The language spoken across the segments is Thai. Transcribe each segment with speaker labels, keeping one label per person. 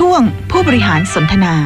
Speaker 1: ช่วงผู้บริหารสนทนา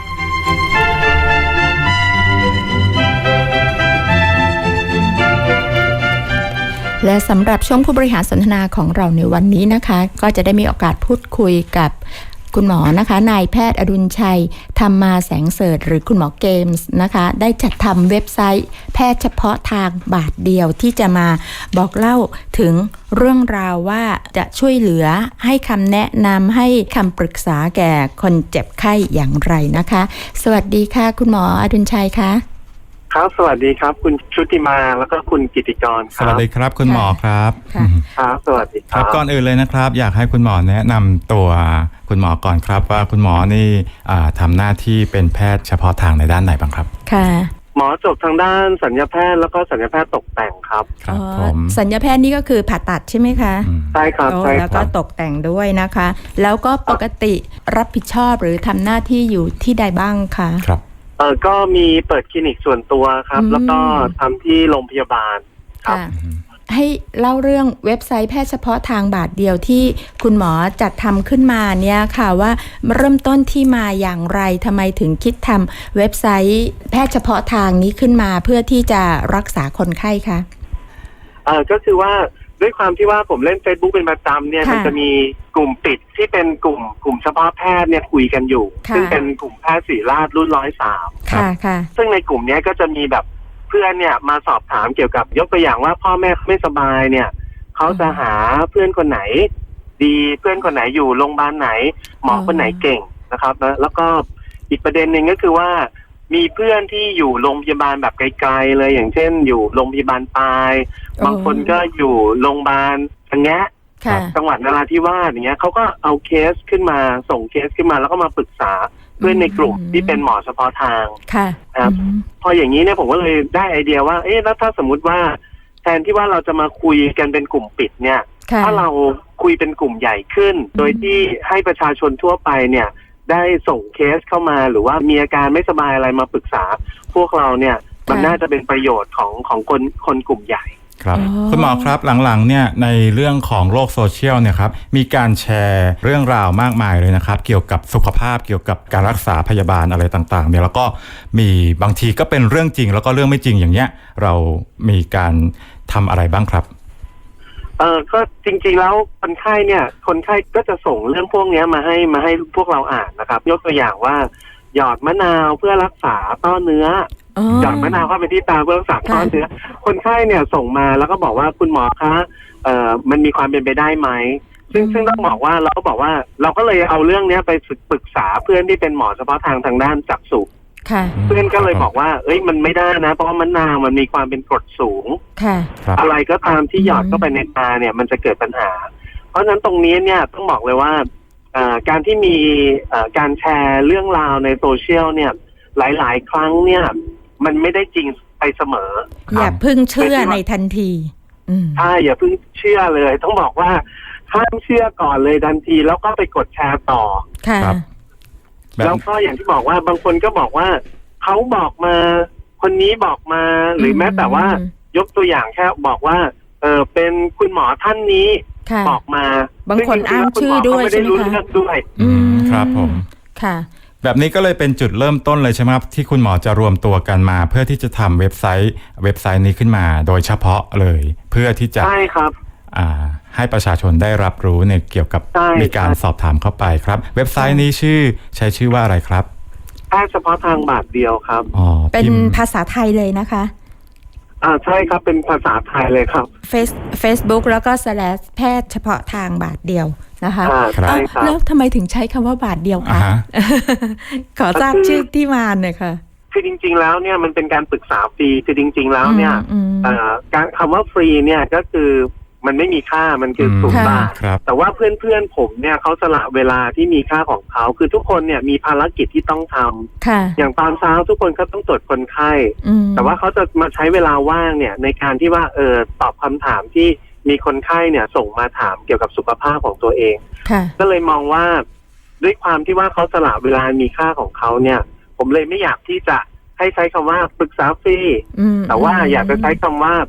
Speaker 2: และสำหรับช่วงผู้บริหารสนทนาของเราในวันนี้นะคะก็จะได้มีโอกาสพูดคุยกับคุณหมอนะคะนายแพทย์อดุลชัยธรรมาแสงเสริฐหรือคุณหมอเกมส์นะคะได้จัดทำเว็บไซต์แพทย์เฉพาะทางบาทเดียวที่จะมาบอกเล่าถึงเรื่องราวว่าจะช่วยเหลือให้คำแนะนำให้คำปรึกษาแก่คนเจ็บไข้อย่างไรนะคะสวัสดีค่ะคุณหมออดุลชัยคะ
Speaker 3: ครับสวัสดีครับคุณชุติมาแล้วก็คุณกิติกรครับ
Speaker 4: สวัสดีครับคุณหมอครับ
Speaker 3: ครับสวัสดีครับ
Speaker 4: ก่อนอื่นเลยนะครับอยากให้คุณหมอแนะนำตัวคุณหมอก่อนครับว่าคุณหมอนี่ทำหน้าที่เป็นแพทย์เฉพาะทางในด้านไหนบ้างครับ
Speaker 2: ค่ะ
Speaker 3: หมอจบทางด้านศัลยแพทย์แล้วก็ศัลยแพทย์ตกแต่งครับ
Speaker 4: ครับ
Speaker 2: ศัลยแพทย์นี่ก็คือผ่าตัดใช่ไหมคะ
Speaker 3: ใช่ครับใช่
Speaker 2: แล้วก็ตกแต่งด้วยนะคะแล้วก็ปกติรับผิดชอบหรือทำหน้าที่อยู่ที่ใดบ้างคะ
Speaker 4: ครับ
Speaker 3: ก็มีเปิดคลินิกส่วนตัวครับแล้วก็ทำที่โรงพยาบาลครับ
Speaker 2: ให้เล่าเรื่องเว็บไซต์แพทย์เฉพาะทางบาทเดียวที่คุณหมอจัดทำขึ้นมาเนี่ยค่ะว่าเริ่มต้นที่มาอย่างไรทำไมถึงคิดทำเว็บไซต์แพทย์เฉพาะทางนี้ขึ้นมาเพื่อที่จะรักษาคนไข้คะ
Speaker 3: ก็คือว่าด้วยความที่ว่าผมเล่น Facebook เป็นประจำเนี่ยมันจะมีกลุ่มปิดที่เป็นกลุ่มเฉพาะแพทย์เนี่ยคุยกันอยู่ซึ่งเป็นกลุ่มแพทย์ศิริราชรุ่น103
Speaker 2: ค่ะ
Speaker 3: ซึ่งในกลุ่มนี้ก็จะมีแบบเพื่อนเนี่ยมาสอบถามเกี่ยวกับยกตัวอย่างว่าพ่อแม่ไม่สบายเนี่ยเขาจะหาเพื่อนคนไหนดีเพื่อนคนไหนอยู่โรงพยาบาลไหนหมอคนไหนเก่งนะครับแล้วก็อีกประเด็นหนึ่งก็คือว่ามีเพื่อนที่อยู่โรงพยาบาลแบบไกลๆเลยอย่างเช่นอยู่โรงพยาบาลปลายบางคนก็อยู่โรงพยาบาลอย่างเงี้ยจังหวัดนราธิวาสอย่างเงี้ยเขาก็เอาเคสขึ้นมาส่งเคสขึ้นมาแล้วก็มาปรึกษาเพื่อนในกลุ่มที่เป็นหมอเฉพาะทางครับพออย่างนี้เนี่ยผมก็เลยได้ไอเดียว่าแล้วถ้าสมมุติว่าแทนที่ว่าเราจะมาคุยกันเป็นกลุ่มปิดเนี่ยถ้าเราคุยเป็นกลุ่มใหญ่ขึ้นโดยที่ให้ประชาชนทั่วไปเนี่ยได้ส่งเคสเข้ามาหรือว่ามีอาการไม่สบายอะไรมาปรึกษาพวกเราเนี่ยมันน่าจะเป็นประโยชน์ของคนกลุ่มใหญ่
Speaker 4: ครับคุณหมอครับหลังๆเนี่ยในเรื่องของโลกโซเชียลเนี่ยครับมีการแชร์เรื่องราวมากมายเลยนะครับเกี่ยวกับสุขภาพเกี่ยวกับการรักษาพยาบาลอะไรต่างๆเนี่ยแล้วก็มีบางทีก็เป็นเรื่องจริงแล้วก็เรื่องไม่จริงอย่างเงี้ยเรามีการทำอะไรบ้างครับ
Speaker 3: ก็จริงๆแล้วคนไข้ก็จะส่งเรื่องพวกนี้มาให้พวกเราอ่านนะครับยกตัวอย่างว่าหยอดมะนาวเพื่อรักษาต้อเนื้อหยอดมะนาวเข้าไปที่ตาเพื่อรักษาต้อเนื้อคนไข้เนี่ยส่งมาแล้วก็บอกว่าคุณหมอคะมันมีความเป็นไปได้ไหมซึ่งต้องบอกว่าเราก็บอกว่าเราก็เลยเอาเรื่องนี้ไปปรึกษาเพื่อนที่เป็นหมอเฉพาะทางด้านจักษุเพื่อนก็เลยบอกว่ามันไม่ได้นะเพราะว่ามะนาวมันมีความเป็นกรดสูงอะไรก็ตามที่หยอดเข้าไปในตาเนี่ยมันจะเกิดปัญหาเพราะฉะนั้นตรงนี้เนี่ยต้องบอกเลยว่าการที่มีการแชร์เรื่องราวในโซเชียลเนี่ยหลายๆครั้งเนี่ยมันไม่ได้จริงไปเสมอ
Speaker 2: อย่าเพิ่งเชื่อในทันที
Speaker 3: ใช่อย่าเพิ่งเชื่อเลยต้องบอกว่าห้ามเชื่อก่อนเลยทันทีแล้วก็ไปกดแชร์ต่อแล้วก็อย่างที่บอกว่าบางคนก็บอกว่าเขาบอกมาคนนี้บอกมาหรือแม้แต่ว่ายกตัวอย่างแค่บอกว่าเป็นคุณหมอท่านนี้บอกมา
Speaker 2: บางคนอ้างชื่อด้วยใช่ไหมคะ
Speaker 4: ครับผม
Speaker 2: ค่ะ
Speaker 4: แบบนี้ก็เลยเป็นจุดเริ่มต้นเลยใช่ไหมครับที่คุณหมอจะรวมตัวกันมาเพื่อที่จะทำเว็บไซต์นี้ขึ้นมาโดยเฉพาะเลยเพื่อที่จะ
Speaker 3: ใช่ครับ
Speaker 4: ให้ประชาชนได้รับรู้ในเกี่ยวกับมีการสอบถามเข้าไปครับเว็บไซต์นี้ใช้ชื่อว่าอะไรครับ
Speaker 3: แพทย์เฉพาะทางบาทเดียวครับ
Speaker 2: เป็นภาษาไทยเลยนะคะ
Speaker 3: ใช่ครับเป็นภาษาไทยเลยครับ
Speaker 2: Facebook แล้วก็แพทย์เฉพาะทางบาทเดียวนะคะแล้วทำไมถึงใช้คำว่าบาทเดียวคะขอทราบชื่อที่มาหน่อยค่ะ
Speaker 3: คือจริงๆแล้วเนี่ยมันเป็นการปรึกษาฟรีคือจริงๆแล้วเนี่ยการคำว่าฟรีเนี่ยก็คือมันไม่มีค่ามันคือ0 บาทแต่ว่าเพื่อนๆผมเนี่ยเขาสละเวลาที่มีค่าของเขาคือทุกคนเนี่ยมีภารกิจที่ต้องทำอย่างตอนเช้าทุกคนก็ต้องตรวจคนไข้แต่ว่าเขาจะมาใช้เวลาว่างเนี่ยในการที่ว่าตอบคำถามที่มีคนไข้เนี่ยส่งมาถามเกี่ยวกับสุขภาพของตัวเองก็เลยมองว่าด้วยความที่ว่าเขาสละเวลามีค่าของเขาเนี่ยผมเลยไม่อยากที่จะให้ใช้คำว่าปรึกษาฟรีแต่ว่าอยากจะใช้คำว่า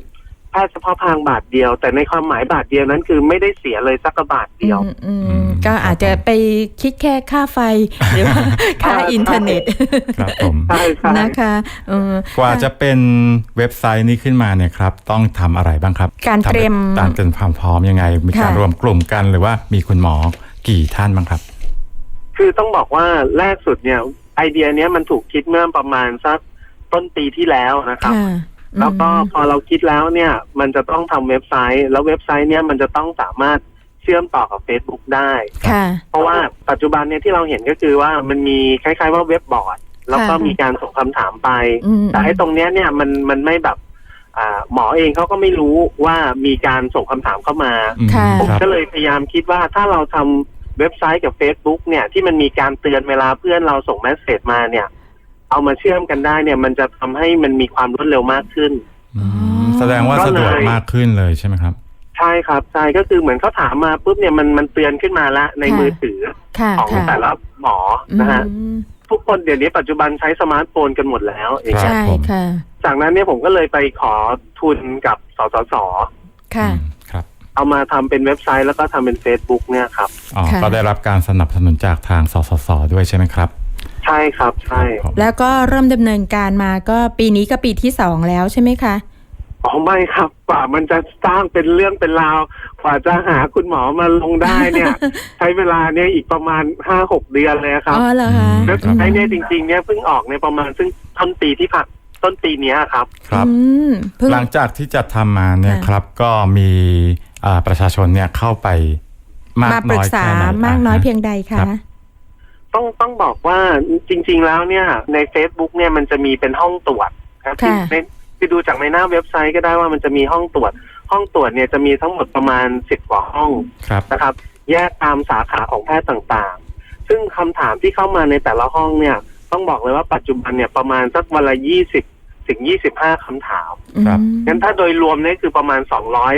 Speaker 3: แพทย์เฉพาะทางบาทเดียวแต่ในความหมายบาทเดียวนั้นคือไม่ได้เสียเลยสักบาทเดียว
Speaker 2: ก็อาจจะไปคิดแค่ค่าไฟหรือว่าค่าอินเทอร์เน็ต
Speaker 4: ครับผม
Speaker 2: นะคะ
Speaker 4: กว่าจะเป็นเว็บไซต์นี้ขึ้นมาเนี่ยครับต้องทำอะไรบ้างครับ
Speaker 2: การเตรียม
Speaker 4: ความพร้อมยังไงมีการรวมกลุ่มกันหรือว่ามีคุณหมอกี่ท่านบ้างครับ
Speaker 3: คือต้องบอกว่าแรกสุดเนี่ยไอเดียเนี้ยมันถูกคิดเมื่อประมาณสักต้นปีที่แล้วนะครับแล้วก็พอเราคิดแล้วเนี่ยมันจะต้องทำเว็บไซต์แล้วเว็บไซต์เนี่ยมันจะต้องสามารถเชื่อมต่อกับ Facebook ได้เพราะว่าปัจจุบันเนี่ยที่เราเห็นก็คือว่ามันมีคล้ายๆว่าเว็บบอร์ดแล้วก็มีการส่งคำถามไปแต่ไอ้ตรงเนี้ยเนี่ยมันไม่แบบหมอเองเขาก็ไม่รู้ว่ามีการส่งคำถามเข้ามาผมก็เลยพยายามคิดว่าถ้าเราทำเว็บไซต์กับ Facebook เนี่ยที่มันมีการเตือนเวลาเพื่อนเราส่งเมสเสจมาเนี่ยเอามาเชื่อมกันได้เนี่ยมันจะทำให้มันมีความรวดเร็วมากขึ้น
Speaker 4: แสดงว่าสะดวกมากขึ้นเลยใช่ไหมครับ
Speaker 3: ใช่ครับใช่ก็คือเหมือนเขาถามมาปุ๊บเนี่ยมันเตือนขึ้นมาละในมือถือของแต่ละหมอนะฮะทุกคนเดี๋ยวนี้ปัจจุบันใช้สมาร์ทโฟนกันหมดแล้ว
Speaker 2: ใช่ค่ะ
Speaker 3: จากนั้นเนี่ยผมก็เลยไปขอทุนกับสสส.
Speaker 2: ค่ะ
Speaker 3: เอามาทำเป็นเว็บไซต์แล้วก็ทำเป็น Facebook เนี่ยครับ
Speaker 4: ก็ได้รับการสนับสนุนจากทางสสส.ด้วยใช่ไหมครับ
Speaker 3: ใช่ครับใช่
Speaker 2: แล้วก็เริ่มดำเนินการมาก็ปีนี้ก็ปีที่2แล้วใช่ไหมคะ
Speaker 3: ไม่ครับกว่ามันจะสร้างเป็นเรื่องเป็นราวกว่าจะหาคุณหมอมาลงได้เนี่ย ใช้เวลาเนี่ยอีกประมาณ 5-6 เดือนเลยครับ
Speaker 2: อ๋อเหรอคะ
Speaker 3: แล้วไอ้เนี่ยจริงๆเนี่ยเพิ่งออกในประมาณซึ่งต้นปีนี้ครับ
Speaker 4: ครับหลังจากที่จัดทำมาเนี่ยครับก็มีประชาชนเนี่ยเข้าไป
Speaker 2: มาปรึกษามากน้อยเพียงใดคะ
Speaker 3: ต้องบอกว่าจริงๆแล้วเนี่ยใน Facebook เนี่ยมันจะมีเป็นห้องตรวจครับที่ดูจากในหน้าเว็บไซต์ก็ได้ว่ามันจะมีห้องตรวจเนี่ยจะมีทั้งหมดประมาณ10 กว่าห้องนะครับแยกตามสาขาของแพทย์ต่างๆซึ่งคำถามที่เข้ามาในแต่ละห้องเนี่ยต้องบอกเลยว่าปัจจุบันเนี่ยประมาณสักวันละ20 ถึง 25 คำถามงั้นถ้าโดยรวมเนี่ยคือประมาณ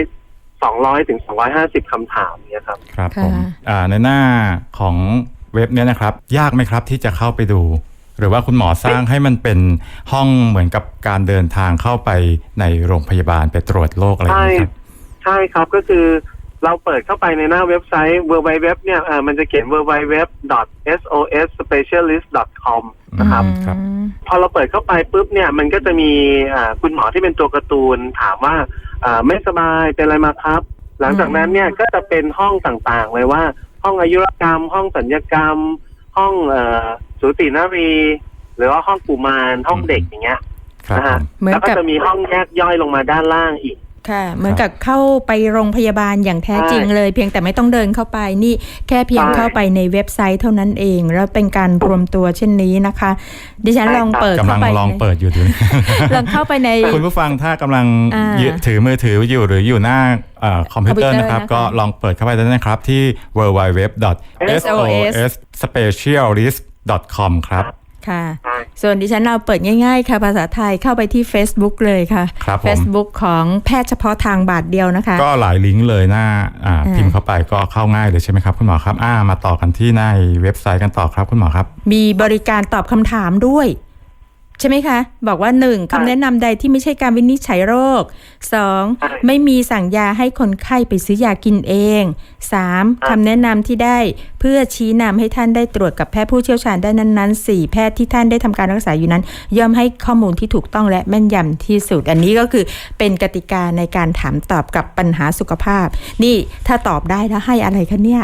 Speaker 3: 200 ถึง 250 คำถามเนี่ยครับ
Speaker 4: ครับผมในหน้าของเว็บเนี่ยนะครับยากไหมครับที่จะเข้าไปดูหรือว่าคุณหมอสร้างให้มันเป็นห้องเหมือนกับการเดินทางเข้าไปในโรงพยาบาลไปตรวจโรคอะไรอย่างนี้ครับ
Speaker 3: ใช่ครับก็คือเราเปิดเข้าไปในหน้าเว็บไซต์ www เนี่ยมันจะเขียน www.sosspecialist.com นะครับพอเราเปิดเข้าไปปุ๊บเนี่ยมันก็จะมีคุณหมอที่เป็นตัวการ์ตูนถามว่าไม่สบายเป็นอะไรมาครับหลังจากนั้นเนี่ยก็จะเป็นห้องต่างๆเลยว่าห้องอายุรกรรมห้องสัญญกรรมห้องสูตินรีหรือว่าห้องกุมารห้องเด็กอย่างเงี้ยนะฮะแล้วก็จะมีห้องแยกย่อยลงมาด้านล่างอีก
Speaker 2: ค่ะเหมือนกับเข้าไปโรงพยาบาลอย่างแท้จริงเลยเพียงแต่ไม่ต้องเดินเข้าไปนี่แค่เพียงเข้าไปในเว็บไซต์เท่านั้นเองแล้วเป็นการรวมตัวเช่นนี้นะคะดิฉันลองเปิดเข้าไป
Speaker 4: ลองเปิดอยู่ดู
Speaker 2: ลองเข้าไปใน
Speaker 4: คุณผู้ฟังถ้ากำลังถือมือถืออยู่หรืออยู่หน้าคอมพิวเตอร์นะครับก็ลองเปิดเข้าไปได้นะครับที่ www.sosspecialist.com ครับ
Speaker 2: ค่ะส่วนดิฉันเราเปิดง่ายๆค่ะภาษาไทยเข้าไปที่ Facebook เลยค่ะ Facebook ของแพทย์เฉพาะทางบาทเดียวนะคะ
Speaker 4: ก็หลายลิงก์เลยหน้าพิมพ์เข้าไปก็เข้าง่ายเลยใช่ไหมครับคุณหมอครับมาต่อกันที่ในเว็บไซต์กันต่อครับคุณหมอครับ
Speaker 2: มีบริการตอบคำถามด้วยใช่ไหมคะบอกว่า 1. คำแนะนำใดที่ไม่ใช่การวินิจฉัยโรค 2. ไม่มีสั่งยาให้คนไข้ไปซื้อยากินเอง 3. คำแนะนำที่ได้เพื่อชี้นำให้ท่านได้ตรวจกับแพทย์ผู้เชี่ยวชาญด้านนั้นๆ 4. แพทย์ที่ท่านได้ทำการรักษาอยู่นั้นย่อมให้ข้อมูลที่ถูกต้องและแม่นยำที่สุดอันนี้ก็คือเป็นกติกาในการถามตอบกับปัญหาสุขภาพนี่ถ้าตอบได้แล้วให้อะไรคะเนี่ย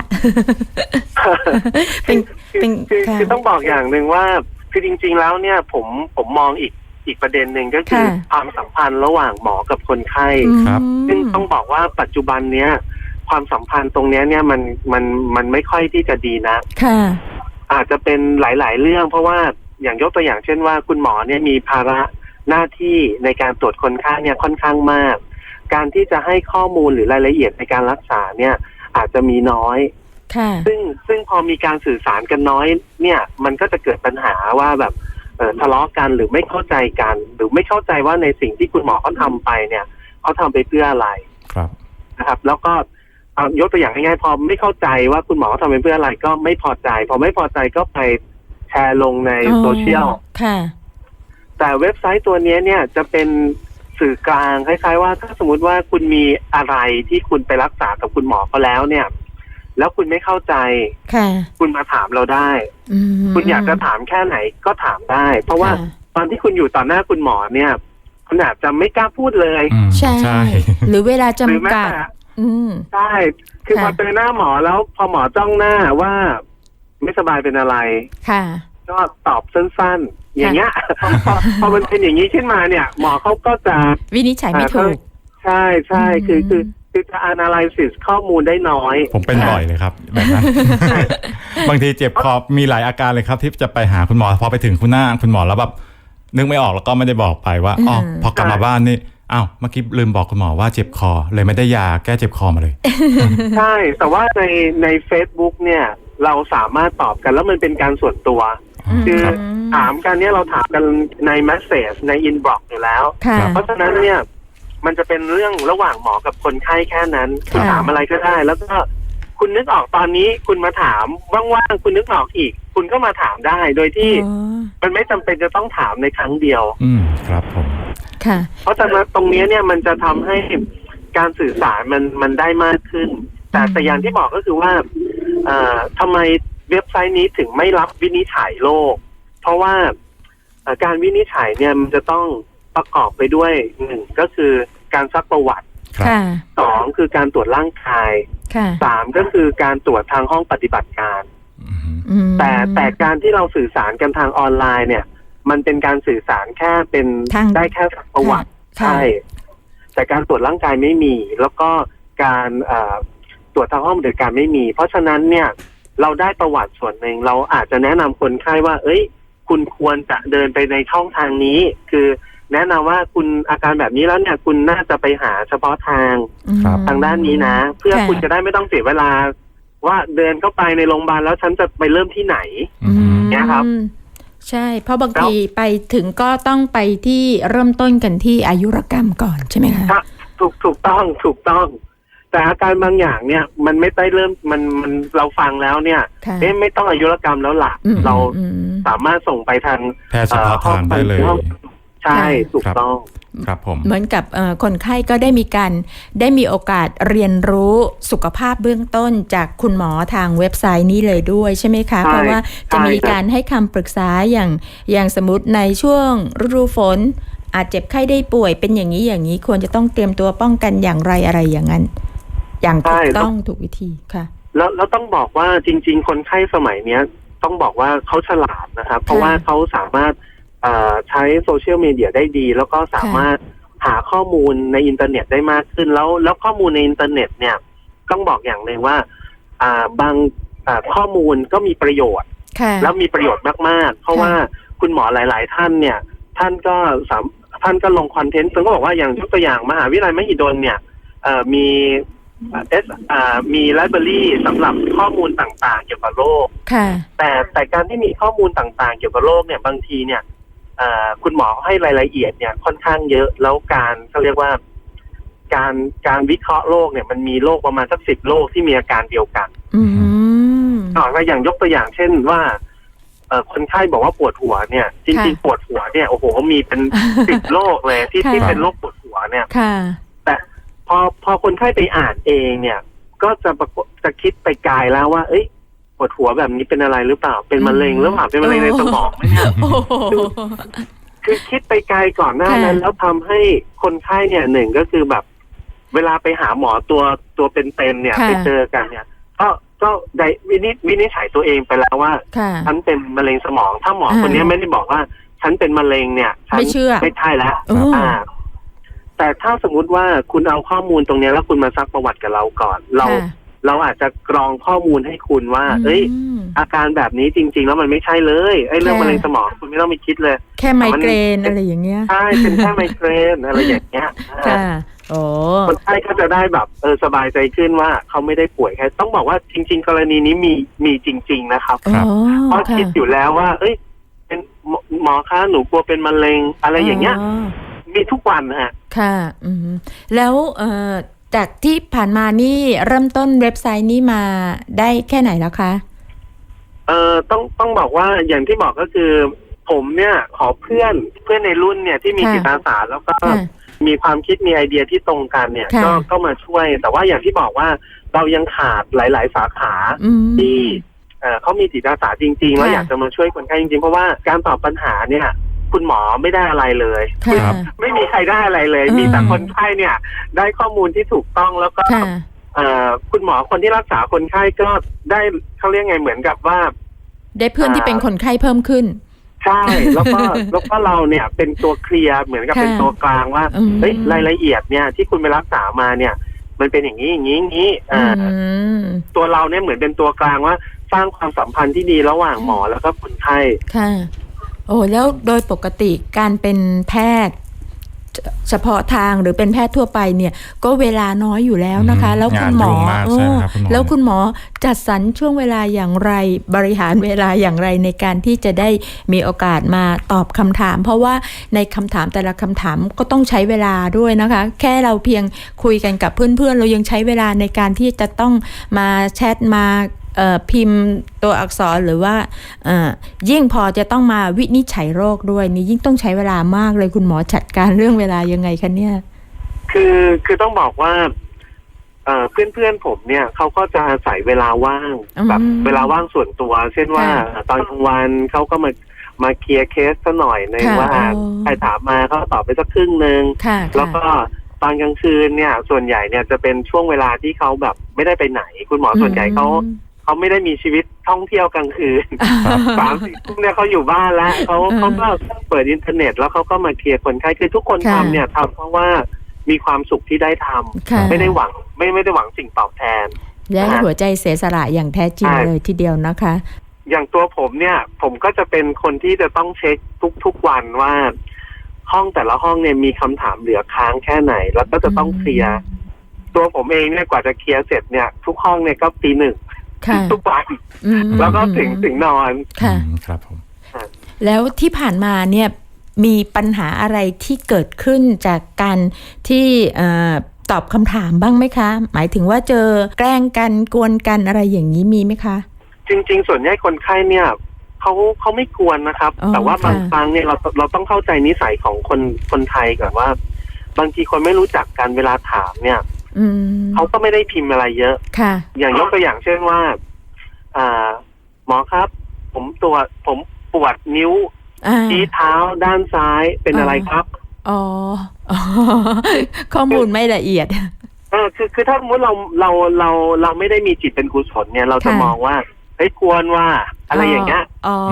Speaker 3: คือต้องบอกอย่างหนึ่งว่าคือจริงๆแล้วเนี่ยผมมองอีกประเด็นหนึ่งก็คือความสัมพันธ์ระหว่างหมอกับคนไข้
Speaker 4: ครับ
Speaker 3: ซึ่งต้องบอกว่าปัจจุบันเนี้ยความสัมพันธ์ตรงเนี้ยเนี่ยมันไม่ค่อยที่จะดีนะอาจจะเป็นหลายๆเรื่องเพราะว่าอย่างยกตัวอย่างเช่นว่าคุณหมอเนี่ยมีภาระหน้าที่ในการตรวจคนไข้เนี่ยค่อนข้างมากการที่จะให้ข้อมูลหรือรายละเอียดในการรักษาเนี่ยอาจจะมีน้อยซึ่งพอมีการสื่อสารกันน้อยเนี่ยมันก็จะเกิดปัญหาว่าแบบทะเลาะกันหรือไม่เข้าใจกันหรือไม่เข้าใจว่าในสิ่งที่คุณหมอเขาทำไปเนี่ยเขาทำไปเพื่ออะไรนะครับแล้วก็ยกตัวอย่างง่ายๆพอไม่เข้าใจว่าคุณหมอเขาทำไปเพื่ออะไรก็ไม่พอใจพอไม่พอใจก็ไปแชร์ลงในโซเชียลแต่เว็บไซต์ตัวนี้เนี่ยจะเป็นสื่อกลางคล้ายๆว่าถ้าสมมติว่าคุณมีอะไรที่คุณไปรักษากับคุณหมอเขาแล้วเนี่ยแล้วคุณไม่เข้าใจ
Speaker 2: ค่ะ
Speaker 3: คุณมาถามเราได้ คุณอยากจะถามแค่ไหนก็ถามได้ เพราะว่าตอนที่คุณอยู่ต่อหน้าคุณหมอเนี่ยคุณอาจจะไม่กล้าพูดเลย
Speaker 2: ใช่
Speaker 4: ใช่
Speaker 2: หรือเวลา
Speaker 3: หรือแม้
Speaker 2: จำกัด
Speaker 3: แต่
Speaker 2: ใช่
Speaker 3: คือพอ
Speaker 2: ค่ะ
Speaker 3: เจอหน้าหมอแล้วพอหมอจ้องหน้าว่าไม่สบายเป็นอะไร
Speaker 2: ค่ะ
Speaker 3: ก็ตอบสั้นๆ อย่างเงี้ย พอมันเป็นอย่างนี้ขึ้นมาเนี่ย หมอเขาก็จะ
Speaker 2: วินิจฉัยไม่ถูก
Speaker 3: ใช่ใช่คือจะ analysis ข้อมูลได้น้อย
Speaker 4: ผมเป็นบ่อยเลยครับแบบนั้น บางทีเจ็บคอมีหลายอาการเลยครับที่จะไปหาคุณหมอพอไปถึงคุณหมอแล้วแบบนึกไม่ออกแล้วก็ไม่ได้บอกไปว่าอ๋อพอกลับมาบ้านนี่อ้าวเมื่อกี้ลืมบอกคุณหมอว่าเจ็บคอเลยไม่ได้ยาแก้เจ็บคอมาเลย
Speaker 3: ใช่แต่ว่าใน Facebook เนี่ยเราสามารถตอบกันแล้วมันเป็นการส่วนตัว คือ
Speaker 4: ครับ
Speaker 3: ถามกันเนี่ยเราถามกันใน message ใน inbox อยู่แล้ว
Speaker 2: ค่ะ
Speaker 3: เพราะฉะนั้นเนี่ยมันจะเป็นเรื่องระหว่างหมอกับคนไข้แค่นั้นคุณ
Speaker 2: ค่ะ
Speaker 3: ถามอะไรก็ได้ แล้วก็คุณนึกออกตอนนี้คุณมาถามว่างๆคุณนึกออกอีก คุณก็มาถามได้โดยที่
Speaker 2: อ๋อ
Speaker 3: มันไม่จำเป็นจะต้องถามในครั้งเดียว
Speaker 4: ครับผม
Speaker 2: ค่ะ
Speaker 3: เพราะฉะนั้นตรงนี้เนี่ยมันจะทำให้การสื่อสารมันได้มากขึ้น แต่อย่างที่บอกก็คือว่าทำไมเว็บไซต์นี้ถึงไม่รับวินิจฉัยโรคเพราะว่าการวินิจฉัยเนี่ยมันจะต้องประกอบไปด้วยหนึ่งก็คือการซักประวัติ
Speaker 4: ครับ
Speaker 2: ค่ะ
Speaker 3: สองคือการตรวจร่างกาย
Speaker 2: ค่ะ
Speaker 3: สามก็คือการตรวจทางห้องปฏิบัติการ
Speaker 2: อืม
Speaker 3: แต่การที่เราสื่อสารกันทางออนไลน์เนี่ย มันเป็นการสื่อสารแค่เป็น
Speaker 2: ทาง
Speaker 3: ได้แค่ซักประวัติ
Speaker 2: ค่ะ
Speaker 3: ใช่แต่การตรวจร่างกายไม่มี แล้วก็การตรวจทางห้องปฏิบัติการไม่มี เพราะฉะนั้นเนี่ยเราได้ประวัติส่วนหนึ่งเราอาจจะแนะนำคนไข้ว่า เอ้ย คุณควรจะเดินไปในช่องทางนี้ คือแนะนำว่าคุณอาการแบบนี้แล้วเนี่ยคุณน่าจะไปหาเฉพาะทาง
Speaker 4: ครับ
Speaker 3: ทางด้านนี้นะ เพื่อ
Speaker 2: ค่ะ
Speaker 3: คุณจะได้ไม่ต้องเสียเวลา ว่าเดินเข้าไปในโรงพยาบาลแล้วฉันจะไปเริ่มที่ไหน เนี่ยครับ
Speaker 2: ใช่ เพราะบางทีไปถึงก็ต้องไปที่เริ่มต้นกันที่อายุรกรรมก่อนใช่ไหมคะ
Speaker 3: ถ้าถูกต้อง แต่อาการบางอย่างเนี่ย มันไม่ได้เริ่มมันเราฟังแล้วเนี่ย
Speaker 2: ค่ะ
Speaker 3: ไม่ต้องอายุรกรรมแล้วล่ะ เราสามารถส่งไปทาง
Speaker 4: แพทย์เฉพาะทางได้เลย
Speaker 3: ใช่ถูกต้อง
Speaker 4: ครับผม
Speaker 2: เหมือนกับคนไข้ก็ได้มีโอกาสเรียนรู้สุขภาพเบื้องต้นจากคุณหมอทางเว็บไซต์นี้เลยด้วยใช่ไหมคะ
Speaker 3: ใช่
Speaker 2: เพราะว่าจะมี
Speaker 3: ใช่ครับ
Speaker 2: การให้คำปรึกษาอย่างสมมติในช่วงฤดูฝน อาจเจ็บไข้ได้ป่วยเป็นอย่างนี้ควรจะต้องเตรียมตัวป้องกันอย่างไรอะไรอย่างนั้น อย่างถูกต้องถูกวิธีค่ะ
Speaker 3: แล้วต้องบอกว่าจริง ๆ คนไข้สมัยเนี้ย ต้องบอกว่าเขาฉลาดนะครับ เพราะว่าเขาสามารถใช้โซเชียลมีเดียได้ดี แล้วก็สามารถหาข้อมูลในอินเทอร์เน็ตได้มากขึ้นแล้วข้อมูลในอินเทอร์เน็ตเนี่ยต้องบอกอย่างหนึ่งว่าบางข้อมูลก็มีประโยชน์
Speaker 2: ค่ะ
Speaker 3: แล้วมีประโยชน์มากๆ เพราะว่าคุณหมอหลาย ๆ ท่านเนี่ยท่านก็ลงคอนเทนต์ซึ่งก็บอกว่าอย่างยกตัวอย่างมหาวิทยาลัยมหิดลเนี่ยมีมีไลบรารีสำหรับข้อมูลต่างๆ เกี่ยวกับโรค
Speaker 2: ค่ะ
Speaker 3: แต่การที่มีข้อมูลต่างๆ เกี่ยวกับโรคเนี่ยบางทีเนี่ยคุณหมอให้รายละเอียดเนี่ยค่อนข้างเยอะแล้วการเขาเรียกว่าการวิเคราะห์โรคเนี่ยมันมีโรคประมาณสัก10 โรคที่มีอาการเดียวกัน อย่างยกตัวอย่างเช่นว่าคนไข้บอกว่าปวดหัวเนี่ยจริงๆปวดหัวเนี่ยโอ้โหมีเป็น 10 โรคเลยที่เป็นโรคปวดหัวเนี่ย
Speaker 2: ค่ะ
Speaker 3: แต่พอคนไข้ไปอ่านเองเนี่ย ก็จะคิดไปไกลแล้วว่า เอ้ยปวดหัวแบบนี้เป็นอะไรหรือเปล่าเป็นมะเร็งหรือเปล่าเป็นมะเร็งในสมองไหมเนี่ย คือคิดไปไกลก่อนหน้านั้น แล้วทำให้คนไข้เนี่ยหนึ่งก็คือแบบ เวลาไปหาหมอตัวเป็นๆเนี่ยไปเจอกันเนี่ยก็ได้วินิจฉัยตัวเองไปแล้วว่าฉันเป็นมะเร็งสมอง ถ้าหมอคนนี้ไม่ได้บอกว่าฉันเป็นมะเร็งเนี่ยฉัน
Speaker 2: ไม่เชื่อ
Speaker 3: ไม่ใช่แล้วแต่ถ้าสมมุติว่าคุณเอาข้อมูลตรงนี้แล้วคุณมาซักประวัติกับเราก่อน เราอาจจะกรองข้อมูลให้คุณว่า เอ้ยอาการแบบนี้จริงๆแล้วมันไม่ใช่เลยไอ้เรื่องมะเร็งสมองคุณไม่ต้องไปคิดเลย
Speaker 2: แค่ไมเกรนอะไรอย่างเงี้ย
Speaker 3: ใช่เป็นแค่ไมเกรนอะไรอย่างเงี้ย
Speaker 2: ค่ะโอ้
Speaker 3: คนไข้ก็จะได้แบบสบายใจขึ้นว่าเขาไม่ได้ป่วยแค่ต้องบอกว่าจริงๆกรณีนี้มีจริงๆนะครับเพราะคิดอยู่แล้วว่า เอ้ยเป็นหมอคะหนูกลัวเป็นมะเร็งอะไรอย่างเงี้ยมีทุกวันฮะ
Speaker 2: ค่ะแล้วจากที่ผ่านมานี่เริ่มต้นเว็บไซต์นี้มาได้แค่ไหนแล้วคะ
Speaker 3: ต้องบอกว่าอย่างที่บอกก็คือผมเนี่ยขอเพื่อนในรุ่นเนี่ยที่มีจิตอาสาแล้วก็มีความคิดมีไอเดียที่ตรงกันเนี่ยก็มาช่วยแต่ว่าอย่างที่บอกว่าเรายังขาดหลายๆสาขาที่เขามีจิตอาสาจริงๆแล้วอยากจะมาช่วยคนไข้จริงๆเพราะว่าการตอบปัญหาเนี่ยคุณหมอไม่ได้อะไรเลยไม่มีใครได้อะไรเลยมีแต่คนไข้เนี่ยได้ข้อมูลที่ถูกต้องแล้วก็คุณหมอคนที่รักษาคนไข้ก็ได้เขาเรียกไงเหมือนกับว่า
Speaker 2: ได้เพื่อนที่เป็นคนไข้เพิ่มขึ้น
Speaker 3: ใช่แล้วก็เราเนี่ยเป็นตัวเคลียร์เหมือนกับเป็นตัวกลางว่าเฮ้ยรายละเอียดเนี่ยที่คุณไปรักษามาเนี่ยมันเป็นอย่างนี้อย่างนี้อย่างนี้ตัวเราเนี่ยเหมือนเป็นตัวกลางว่าสร้างความสัมพันธ์ที่ดีระหว่างหมอแล้วก็คนไข้
Speaker 2: ค่ะโอ้แล้วโดยปกติการเป็นแพทย์เฉพาะทางหรือเป็นแพทย์ทั่วไปเนี่ยก็เวลาน้อยอยู่แล้วนะคะแล้วคุณหมอแล้วคุณหมอจัดสรรช่วงเวลาอย่างไรบริหารเวลาอย่างไรในการที่จะได้มีโอกาสมาตอบคำถามเพราะว่าในคำถามแต่ละคำถามก็ต้องใช้เวลาด้วยนะคะแค่เราเพียงคุยกันกับเพื่อนๆเรายังใช้เวลาในการที่จะต้องมาแชทมาพิมพ์ตัวอักษรหรือว่ายิ่งพอจะต้องมาวินิจฉัยโรคด้วยนี่ยิ่งต้องใช้เวลามากเลยคุณหมอจัดการเรื่องเวลายังไงคะเนี่ย
Speaker 3: คือต้องบอกว่าเพื่อนผมเนี่ยเขาก็จะอาศัยเวลาว่างแบบเวลาว่างส่วนตัวเช่นว่าตอนกลางวันเขาก็มาเคลียร์เคสซะหน่อยนึงว่าใครถามมาเขาตอบไปสักครึ่งนึงแล้วก็ตอนกลางคืนเนี่ยส่วนใหญ่เนี่ยจะเป็นช่วงเวลาที่เขาแบบไม่ได้ไปไหนคุณหมอส่วนใหญ่เขาไม่ได้มีชีวิตท่องเที่ยวกลางคืน3-4 ทุ่มเนี่ยเขาอยู่บ้านแล้วเขาก็เปิดอินเทอร์เน็ตแล้วเขาก็มาเคลียร์คนไข้คือทุกคนทำเนี่ยทำเพราะว่ามีความสุขที่ได้ทำไม่ได้หวังไม่ได้หวังสิ่งตอบแทน
Speaker 2: และหัวใจเสียสละอย่างแท้จริงเลยทีเดียวนะคะ
Speaker 3: อย่างตัวผมเนี่ยผมก็จะเป็นคนที่จะต้องเช็คทุกวันว่าห้องแต่ละห้องเนี่ยมีคำถามเหลือค้างแค่ไหนแล้วก็จะต้องเคลียร์ตัวผมเองเนี่ยกว่าจะเคลียร์เสร็จเนี่ยทุกห้องเนี่ยก็ตี 1ทุกวันแล้วก็ถึงนอน
Speaker 2: ค่ะ
Speaker 4: ครับผม
Speaker 2: แล้วที่ผ่านมาเนี่ยมีปัญหาอะไรที่เกิดขึ้นจากการที่ตอบคำถามบ้างไหมคะหมายถึงว่าเจอแกล้งกันกวนกันอะไรอย่างนี้มีไหมคะ
Speaker 3: จริงๆส่วนใหญ่คนไข้เนี่ยเขาไม่กวนนะครับแต่ว่าบางครั้งเนี่ยเราต้องเข้าใจนิสัยของคนไทยก่อนว่าบางทีคนไม่รู้จักกันเวลาถามเนี่ยเขาก็ไม่ได้พิมพ์อะไรเยอะอย่างยกตัวอย่างเช่นว่าหมอครับผมปวดนิ้วที่เท้าด้านซ้ายเป็นอะไรครับ
Speaker 2: ข้อมูลไม่ละเอียด
Speaker 3: คือถ้าสมมติเราไม่ได้มีจิตเป็นกุศลเนี่ยเราจะมองว่าเฮ้ยควรว่าอะไรอย่างเงี้ย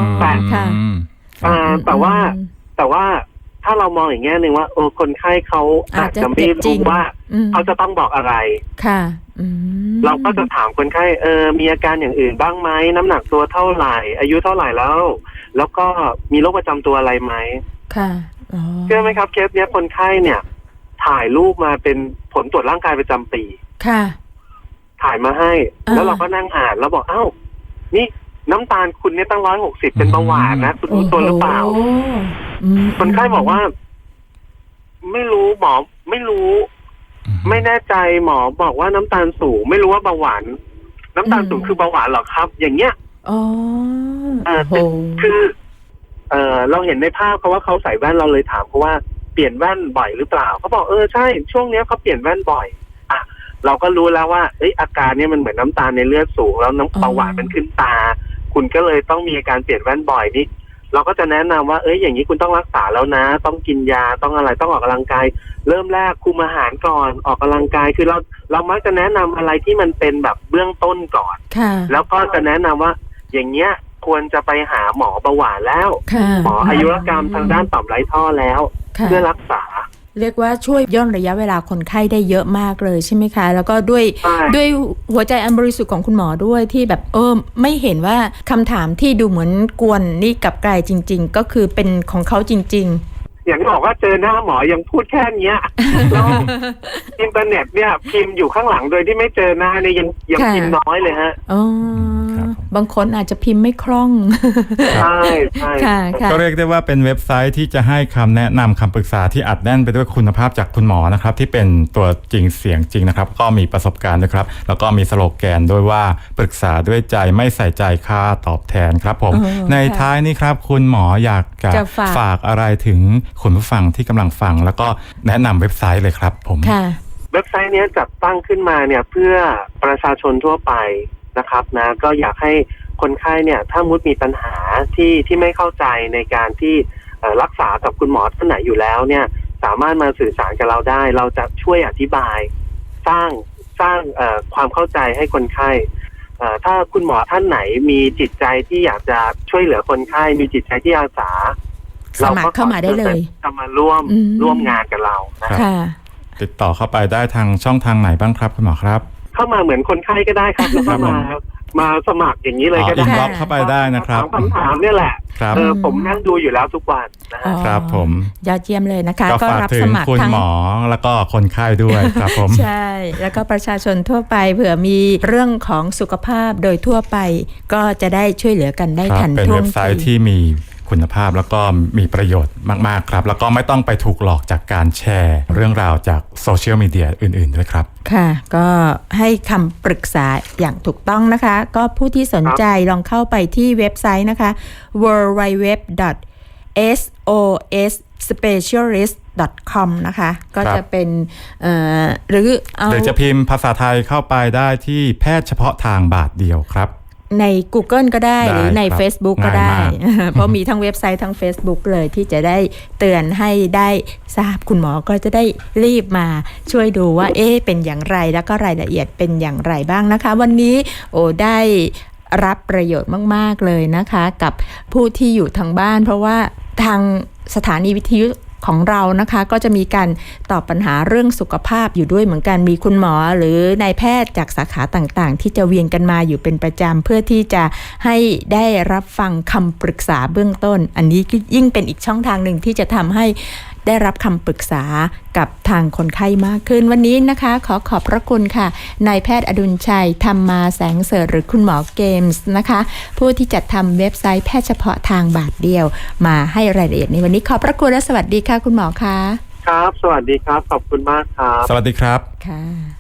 Speaker 3: แต่ว่าถ้าเรามองอย่างเงี้ยนึงว่าคนไข้เขาอาจจะไม่รู้ว่าเขาจะต้องบอกอะไร
Speaker 2: ค่ะ
Speaker 3: เราก็จะถามคนไข้มีอาการอย่างอื่นบ้างไหมน้ำหนักตัวเท่าไหร่อายุเท่าไหร่แล้วก็มีโรคประจำตัวอะไรไหม
Speaker 2: ค่ะ
Speaker 3: เชื่อไหมครับเคสเนี้ยคนไข้เนี่ยถ่ายรูปมาเป็นผลตรวจร่างกายประจำปี
Speaker 2: ค่ะ
Speaker 3: ถ่ายมาให้แล้วเราก็นั่งอ่านแล้วบอกอ้าวนี่น้ำตาลคุณเนี่ยตั้ง160เป็นเบาหวานนะคุณรู้ตัวหรือเปล่าคนไข้บอกว่าไม่รู้หมอไม่รู้ไม่แน่ใจหมอบอกว่าน้ำตาลสูงไม่รู้ว่าเบาหวานน้ำตาลสูงคือเบาหวานหรอครับอย่างเงี้ยคือเราเห็นในภาพเขาว่าเขาใส่แว่นเราเลยถามเขาว่าเปลี่ยนแว่นบ่อยหรือเปล่าเขาบอกใช่ช่วงนี้เขาเปลี่ยนแว่นบ่อยเราก็รู้แล้วว่าอาการนี้มันเหมือนน้ำตาลในเลือดสูงแล้วน้ำเบาหวานมันขึ้นตาคุณก็เลยต้องมีอาการเปลี่ยนแว่นบ่อยนี่เราก็จะแนะนำว่าอย่างนี้คุณต้องรักษาแล้วนะต้องกินยาต้องอะไรต้องออกกำลังกายเริ่มแรกคุมอาหารก่อนออกกำลังกายคือเรามักจะแนะนำอะไรที่มันเป็นแบบเบื้องต้นก่อนแล้วก็จะแนะนำว่าอย่างเงี้ยควรจะไปหาหมอเบาหวานแล้วหมออายุรกรรมทางด้านต่อมไร้ท่อแล้วเพื่อรักษา
Speaker 2: เรียกว่าช่วยย่นระยะเวลาคนไข้ได้เยอะมากเลยใช่ไหมคะแล้วก็ด้วยหัวใจอันบริสุทธิ์ของคุณหมอด้วยที่แบบไม่เห็นว่าคำถามที่ดูเหมือนกวนนี่กลับกลายจริงๆก็คือเป็นของเขาจริงๆ
Speaker 3: อย่างที่บอกว่าเจอหน้าหมอยังพูดแค่นี้แล้วอินเทอร์เน็ตเนี่ยพิมพ์อยู่ข้างหลังโดยที่ไม่เจอหน้าเนี่ยยังพิมพ์น้อยเลยฮะ
Speaker 2: บางคนอาจจะพิมพ์ไม่คล่อง
Speaker 3: ใช่ใช่
Speaker 2: ค่ะค่ะ
Speaker 4: ก็เรียกได้ว่าเป็นเว็บไซต์ที่จะให้คำแนะนำคำปรึกษาที่อัดแน่นไปด้วยคุณภาพจากคุณหมอนะครับที่เป็นตัวจริงเสียงจริงนะครับก็มีประสบการณ์ด้วยครับแล้วก็มีสโลแกนด้วยว่าปรึกษาด้วยใจไม่ใส่ใจค่าตอบแทนครับผมในท้ายนี้ครับคุณหมออยากจะฝากอะไรถึงคุณผู้ฟังที่กำลังฟังแล้วก็แนะนำเว็บไซต์เลยครับผม
Speaker 2: ค่ะ
Speaker 3: เว็บไซต์นี้จัดตั้งขึ้นมาเนี่ยเพื่อประชาชนทั่วไปนะครับนะก็อยากให้คนไข้เนี่ยถ้ามุดมีปัญหาที่ไม่เข้าใจในการที่รักษากับคุณหมอท่านไหนอยู่แล้วเนี่ยสามารถมาสื่อสารกับเราได้เราจะช่วยอธิบายสร้างความเข้าใจให้คนไข้ถ้าคุณหมอท่านไหนมีจิตใจที่อยากจะช่วยเหลือคนไข้มีจิตใจที่อาสา
Speaker 2: สมัครเข้ามาได้เลย
Speaker 3: จะมาร่วมงานกับเรา
Speaker 2: ค่ะ
Speaker 4: ติดต่อเข้าไปได้ทางช่องทางไหนบ้างครับคุณหมอครับ
Speaker 3: เข้ามาเหมือนคนไข้ก็ได้ครับแล้วก็มาสมัครอย่างนี้เลยก็ได้
Speaker 4: อินบ็อกซ์เข้าไปได้นะครับ
Speaker 3: คำถามเนี่ยแหละผมนั่งดูอยู่แล้วทุกวัน
Speaker 4: ครับผม
Speaker 2: ยอดเยี่ยมเลยนะคะ
Speaker 4: ก็รับสมัครคุณหมอแล้วก็คนไข้ด้วยครับผม
Speaker 2: ใช่แล้วก็ประชาชนทั่วไปเผื่อมีเรื่องของสุขภาพโดยทั่วไปก็จะได้ช่วยเหลือกันได้ทันท่วงที
Speaker 4: เป็นเว็บไซต์ที่มีคุณภาพแล้วก็มีประโยชน์มากๆครับแล้วก็ไม่ต้องไปถูกหลอกจากการแชร์เรื่องราวจากโซเชียลมีเดียอื่นๆด้วยครับ
Speaker 2: ค่ะก็ให้คำปรึกษาอย่างถูกต้องนะคะก็ผู้ที่สนใจลองเข้าไปที่เว็บไซต์นะคะ www.sosspecialist.com นะคะก็จะเป็นหรือ
Speaker 4: จะพิมพ์ภาษาไทยเข้าไปได้ที่แพทย์เฉพาะทางบาทเดียวครับ
Speaker 2: ใน Google ก็ได้หรือใน Facebook ก็ได้เพราะมีทั้งเว็บไซต์ทั้ง Facebook เลยที่จะได้เตือนให้ได้ทราบคุณหมอก็จะได้รีบมาช่วยดูว่าเป็นอย่างไรแล้วก็รายละเอียดเป็นอย่างไรบ้างนะคะวันนี้ได้รับประโยชน์มากๆเลยนะคะกับผู้ที่อยู่ทางบ้านเพราะว่าทางสถานีวิทยุของเรานะคะก็จะมีการตอบปัญหาเรื่องสุขภาพอยู่ด้วยเหมือนกันมีคุณหมอหรือนายแพทย์จากสาขาต่างๆที่จะเวียนกันมาอยู่เป็นประจำเพื่อที่จะให้ได้รับฟังคำปรึกษาเบื้องต้นอันนี้ยิ่งเป็นอีกช่องทางหนึ่งที่จะทำให้ได้รับคำปรึกษากับทางคนไข้มากขึ้นวันนี้นะคะขอบพระคุณค่ะนายแพทย์อดุลชัยธรรมาแสงเสริฐหรือคุณหมอเกมส์นะคะผู้ที่จัดทำเว็บไซต์แพทย์เฉพาะทางบาทเดียวมาให้รายละเอียดในวันนี้ขอบพระคุณและสวัสดีค่ะคุณหมอคะ
Speaker 3: ครับสวัสดีครับขอบคุณมากครับ
Speaker 4: สวัสดีครับ
Speaker 2: ค่ะ